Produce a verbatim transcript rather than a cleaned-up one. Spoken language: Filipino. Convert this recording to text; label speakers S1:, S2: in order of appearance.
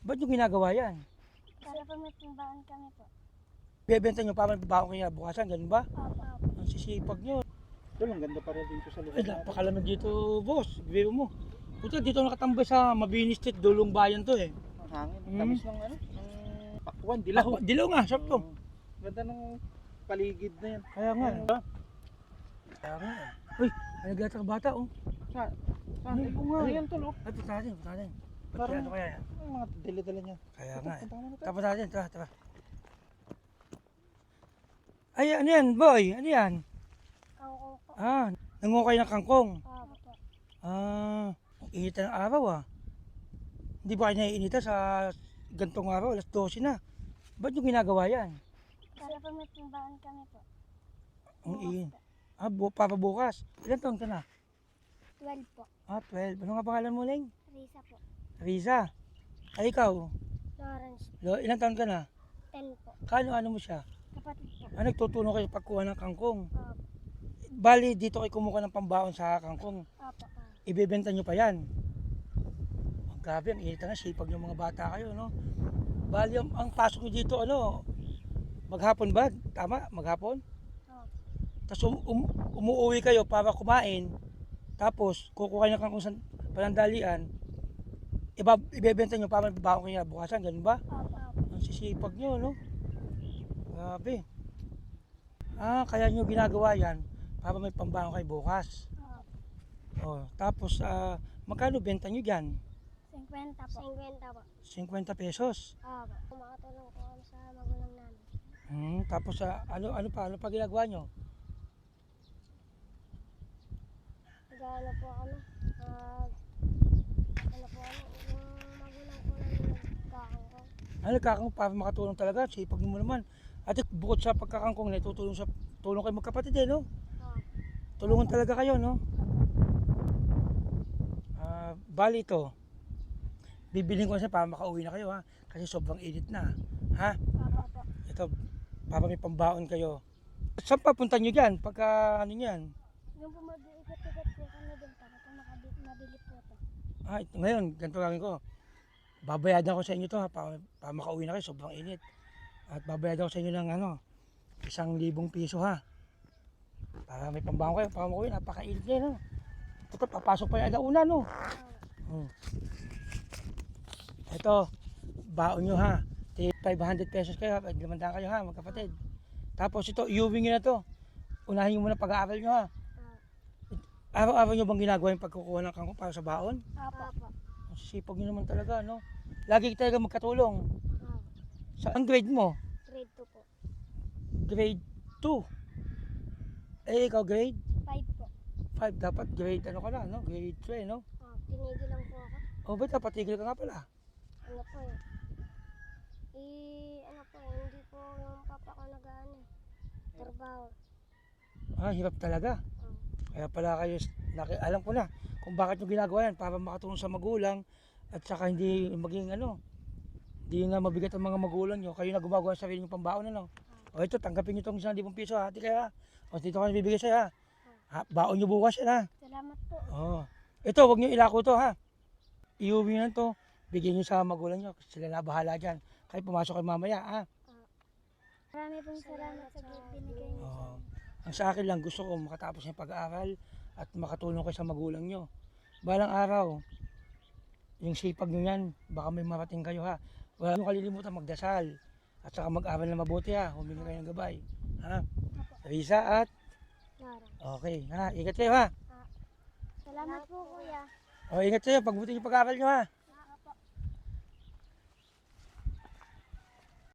S1: Ba't nyo ginagawa yan?
S2: Para po may timbangan kami po.
S1: Bebenta nyo para baon kayo bukasan, ganun ba?
S2: Opo.
S1: Ang sisipag nyo.
S3: Ito lang, ganda pa rin dito sa lugar
S1: Ay,
S3: natin.
S1: napakalamig dito, boss. Biro mo. Puta, dito nakatambay sa Mabini Street, Dulong Bayan to eh.
S3: Ang hangin,
S1: Mm.
S3: tamis ng ano, ng pakwan, dilaw.
S1: Ah, dilaw nga, sarap to.
S3: Mm. Ganda ng paligid na yan.
S1: Kaya nga.
S3: Ayun.
S1: eh. Kaya nga. eh. Uy, may naglatag bata oh.
S3: Sa, sa,
S1: Hmm,
S3: ay, kung nga,
S1: ayun.
S3: yan tol, oh.
S1: Ay, punta natin, punta natin. Ba't
S3: Parang-
S1: kaya ano kaya yan?
S3: Ang mga dala-dala niya.
S1: Kaya
S3: Ito,
S1: nga eh.
S3: punta ka muna tayo.
S1: Tapos natin, tara, tara. Ay, ano yan, boy? Ano yan?
S2: Kangkong po.
S1: Ah, nangukay ng kangkong.
S2: Opo po.
S1: Ah, ang init ng araw ah. Hindi ba kayo naiinita sa gantong araw, alas dose na? Ba't nyo ginagawa yan?
S2: Para po may timbangan kami po.
S1: Ang
S2: Bukas
S1: init.
S2: po.
S1: Ah, bu para bukas. Ilan taon ka na?
S2: twelve po.
S1: Ah, twelve. Ano nga pangalan mo, Leng?
S2: Risa po.
S1: Riza. Ay, ikaw?
S2: Lawrence.
S1: Lo, ilan taon ka na?
S2: ten po.
S1: Kano-ano mo siya?
S2: Kapatid po.
S1: Ah, nagtutulong kayo sa pagkuha ng kangkong.
S2: Opo.
S1: Bali, dito kayo kumuha ng pambaon sa kangkong.
S2: Opo. po.
S1: Ibebenta nyo pa yan. Ang grabe, ang init na, sipag yung mga bata kayo, no? Bali, ang, ang pasok nyo dito, ano, maghapon ba? Tama? Maghapon?
S2: Opo.
S1: Tapos um, um, umuwi kayo para kumain. Tapos, kukuha kayo ng kangkong sa panandalian. Iba, ibebenta nyo para baon kayo bukasan, ganun ba?
S2: Opo. Opo.
S1: Ang sisipag nyo, no? Grabe. Ah, kaya nyo ginagawa yan para may pambaon kayo bukas.
S2: Opo.
S1: Oh, tapos, ah, magkano benta nyo dyan?
S2: fifty po. fifty po.
S1: fifty pesos.
S2: Opo. Makatulong po kami sa magulang namin.
S1: Hmm, tapos, ah, ano, ano pa? Ano pa ginagawa nyo?
S2: Nag-ano po kami. Nag... Ano po kami. Yung magulang po namin nagkakangkong.
S1: Ano, nagkakang para makatulong talaga. Sipag mo naman. At bukod sa pagkakangkong na tutulong sa tulong kayo magkapatid eh, no?
S2: Opo.
S1: Tulungan talaga kayo, no? Ah, bali ito. Bibiling ko na siya para makauwi na kayo, ha? Kasi sobrang init na, ha?
S2: Opo. Opo.
S1: Ito, para may pambaon kayo. Saan papunta nyo dyan? Pagka ano yan?
S2: Yung po mag-iikot-ikot po kami din para po makabili, mabili po ito.
S1: Ah, ito, ngayon, ganito gagawin ko. Babayadan ko sa inyo to ha, para, para makauwi na kayo, sobrang init. At babayadan ko sa inyo ng ano, isang libong piso ha. Para may pambaon kayo, para makauwi, napakainit na yun, no? Ito, papasok pa yung alauna, no? Hmm. Ito, baon nyo ha. five hundred pesos kayo, limandaan kayo ha, magkapatid. Tapos ito, iuwi nyo na to. Unahin nyo muna pag-aaral nyo ha. Araw-araw nyo bang ginagawa yung pagkukuha ng kangkong para sa baon?
S2: Opo. Opo.
S1: Ang sisipag nyo naman talaga, no? Lagi talaga magkatulong.
S2: Opo.
S1: Sa ang grade mo?
S2: Grade two po.
S1: Grade two. Eh, ikaw grade
S2: five po.
S1: five. Dapat grade ano ka na, no? Grade three, no?
S2: Oh, tinigil lang po ako.
S1: O, ba't dapat tigil ka nga pala?
S2: Ano po eh. Eh, ano po eh, hindi po yung papa ko nag-ano eh. Trabaho.
S1: Ah, hirap talaga.
S2: Oh.
S1: Kaya pala kayo, naki, alam ko na kung bakit nyo ginagawa yan, para makatulong sa magulang at saka hindi maging ano, hindi na mabigat ang mga magulang nyo, kayo na gumagawa sa sarili nyo pambaon, ano. O ito, tanggapin nyo itong isang libong piso, hati kaya. O dito ka nabibigay sa'yo ha. Ha, baon nyo bukas yan ha.
S2: Salamat po.
S1: Oh. Ito, wag nyo ilako to ha. Iuwi nyo to, bigyan nyo sa magulang nyo, sila na bahala dyan. Kayo pumasok kayo mamaya ha.
S2: Marami pong salamat sa binigay niyo sa
S1: Oh. Ang sa akin lang, gusto ko makatapos yung pag-aaral at makatulong kayo sa magulang nyo. Balang araw, yung sipag nyo yan, baka may marating kayo ha. Wala nyo kalilimutan magdasal at saka mag-aral na mabuti ha. Humingi kayo ng gabay. Ha? Risa at?
S2: Nara.
S1: Okay ha. Ingat kayo ha.
S2: Salamat po kuya.
S1: O ingat kayo, pagbuti yung pag-aaral nyo ha.